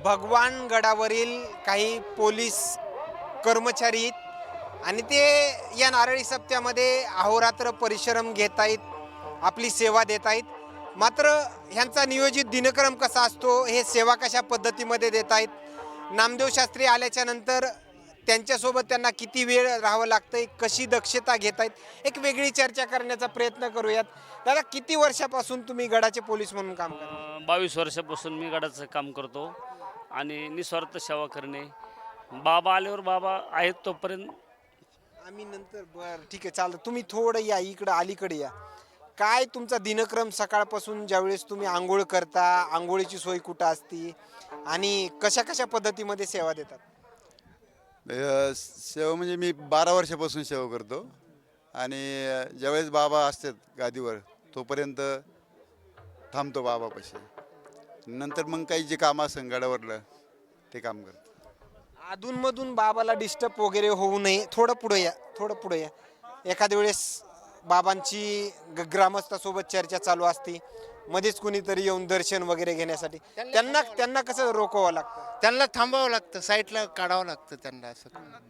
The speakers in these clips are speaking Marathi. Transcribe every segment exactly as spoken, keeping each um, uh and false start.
भगवान गडावरील काही पोलीस कर्मचारी आहेत आणि ते या नारळी सप्त्यामध्ये अहोरात्र परिश्रम घेत आहेत, आपली सेवा देत आहेत. मात्र ह्यांचा नियोजित दिनक्रम कसा असतो, हे सेवा कशा पद्धतीमध्ये देत आहेत, नामदेव शास्त्री आल्याच्या नंतर त्यांच्यासोबत त्यांना किती वेळ राहावं लागतंय, कशी दक्षता घेत आहेत, एक वेगळी चर्चा करण्याचा प्रयत्न करूयात. दादा, किती वर्षापासून तुम्ही गडाचे पोलीस म्हणून काम करता? बावीस वर्षापासून मी गडाचं काम करतो आणि निस्वार्थ सेवा करणे. बाबा आल्यावर बाबा आहेत तोपर्यंत आम्ही नंतर बरं ठीक आहे चालतं. तुम्ही थोडं या इकडं अलीकडे या. काय तुमचा दिनक्रम सकाळपासून ज्यावेळेस तुम्ही आंघोळ करता, आंघोळीची सोय कुठं असती आणि कशा कशा पद्धतीमध्ये सेवा देतात? अ, सेवा म्हणजे मी बारा वर्षापासून सेवा करतो आणि ज्यावेळेस बाबा असतात गादीवर तोपर्यंत थांबतो बाबापाशी. नंतर मग काही जे काम असेल गडावरलं ते काम करतो. अधूनमधून बाबाला डिस्टर्ब वगैरे होऊ नये, थोडं पुढं या, थोडं पुढं या. एखाद्या वेळेस बाबांची ग- ग्रामस्थासोबत चर्चा चालू असते, मध्येच कुणीतरी येऊन दर्शन वगैरे घेण्यासाठी त्यांना त्यांना कसं रोखवावं लागतं? त्यांना थांबावं लागतं, साईडला काढावं लागतं त्यांना असं.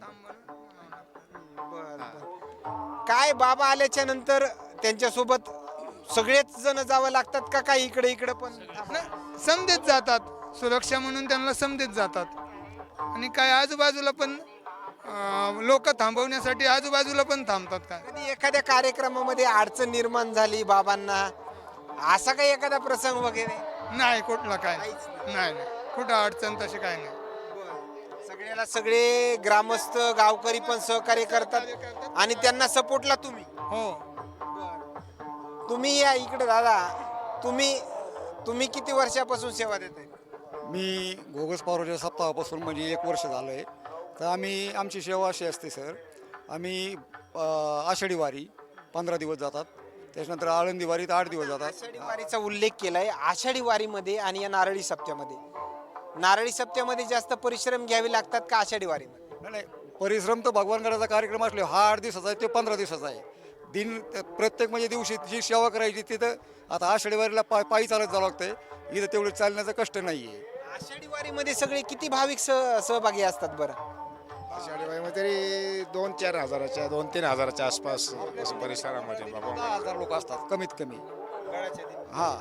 बरं, बरं. काय बाबा आल्याच्या नंतर त्यांच्यासोबत सगळेच जण जावं लागतात का काही इकडे इकडे पण? समदेत जातात, सुरक्षा म्हणून त्यांना समदेत जातात. आणि काय आजूबाजूला पण लोक थांबवण्यासाठी आजूबाजूला पण थांबतात. काय कधी एखाद्या कार्यक्रमामध्ये अडचण निर्माण झाली बाबांना, असा काही एखादा प्रसंग वगैरे? नाही, कुठला काय नाही नाही कुठं अडचण तशी काय नाही. सगळ्याला सगळे ग्रामस्थ गावकरी पण सहकार्य करतात आणि त्यांना सपोर्टला तुम्ही. हो, तुम्ही या इकडे दादा. तुम्ही तुम्ही किती वर्षापासून सेवा देताय? मी घोगस पारोच्या सप्ताहापासून म्हणजे एक वर्ष झालं आहे. तर आम्ही आमची सेवा अशी असते सर, आम्ही अ, आषाढी वारी पंधरा दिवस जातात, त्याच्यानंतर आळंदी वारीत आठ दिवस जातात. आषाढी वारीचा उल्लेख केलाय. आषाढी वारीमध्ये आणि या नारळी सप्त्यामध्ये, नारळी सप्त्यामध्ये जास्त परिश्रम घ्यावे लागतात का आषाढी वारीमध्ये? नाही नाही, परिश्रम तर भगवानगडाचा कार्यक्रम असले हा आठ दिवसाचा आहे, ते पंधरा दिवसाचा आहे. दिन प्रत्येक म्हणजे दिवशी जी सेवा करायची तिथं आता आषाढी वारीला पा पायी चालत जावं लागतंय, इथं तेवढं चालण्याचं कष्ट नाही आहे. आषाढी वारीमध्ये सगळे किती भाविक सह सहभागी असतात बरं? आषाढी वारीमध्ये तरी दोन चार हजाराच्या दोन तीन हजाराच्या आसपास असं परिसरामध्ये बाबा. दहा हजार लोक असतात कमीत कमी. हां,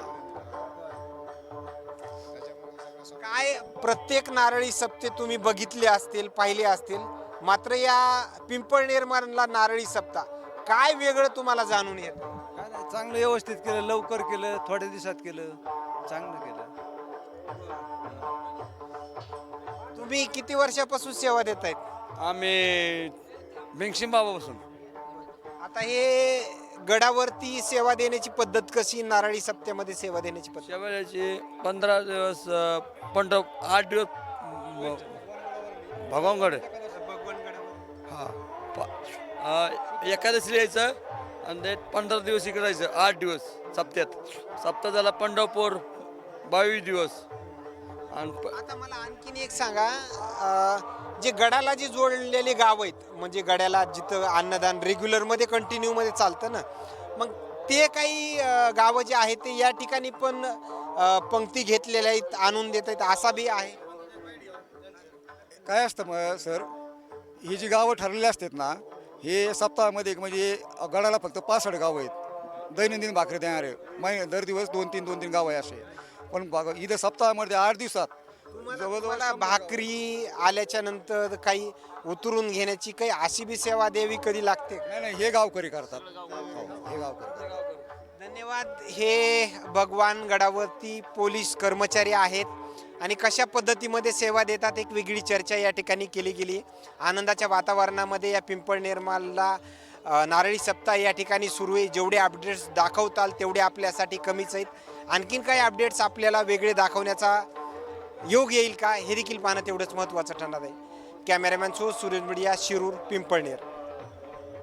काय प्रत्येक नारळी सप्ते तुम्ही बघितले असतील, पाहिले असतील, मात्र या पिंपळनेर मानला नारळी सप्ता काय वेगळं तुम्हाला जाणून येतं? काय नाही, चांगलं व्यवस्थित केलं, लवकर केलं, थोड्या दिवसात केलं, चांगलं केलं. तुम्ही किती वर्षापासून सेवा देत आहेत? आम्ही भिंगशिम बाबापासून. आता हे गडावरती सेवा देण्याची पद्धत कशी, नारळी सप्त्यामध्ये सेवा देण्याची पद्धत? शेवयाची पंधरा दिवस अ, पंधरा आठ दिवस भगवानगड. हां, प- एकादशीला यायचं आणि ते पंधरा दिवस इकडे राहायचं, आठ दिवस सप्त्यात. सप्ताह झाला पंढरपूर बावीस दिवस. आणि प- आता मला आणखीन एक सांगा, अं, जे गडाला जे जोडलेले गाव आहेत, म्हणजे गड्याला जिथं अन्नदान रेग्युलर मध्ये कंटिन्यू मध्ये चालतं ना, मग ते काही अं, गावं जे आहेत ते या ठिकाणी पण अं, पंक्ती घेतलेल्या आहेत, आणून देत आहेत, असा बी आहे? काय असतं मग सर, ही जी गावं ठरलेली असतात ना, हे सप्ताहामध्ये एक म्हणजे गडाला फक्त पासष्ट गावं आहेत दैनंदिन भाकरी देणारे. मै दर दिवस दोन तीन दोन तीन गाव आहे असे. पण बघा इथं सप्ताहामध्ये आठ दिवसात तुम्हाला भाकरी आल्याच्या नंतर काही उतरून घेण्याची काही अशी बी सेवा द्यावी कधी लागते? नाही नाही, हे गावकरी करतात. हो, हे गावकरी करतात. धन्यवाद. हे भगवान गडावरती पोलीस कर्मचारी आहेत आणि कशा पद्धतीमध्ये सेवा देतात एक वेगळी चर्चा या ठिकाणी केली गेली. आनंदाच्या वातावरणामध्ये या पिंपळनेरमालला अ, नारळी सप्ताह या ठिकाणी सुरू आहे. जेवढे अपडेट्स दाखवताल तेवढे आपल्यासाठी कमीच आहेत. आणखीन काही अपडेट्स आपल्याला वेगळे दाखवण्याचा योग येईल का, हे देखील पाहणं तेवढंच महत्त्वाचं ठरणार आहे. कॅमेरामॅन सो सुरेश मीडिया, शिरूर, पिंपळनेर.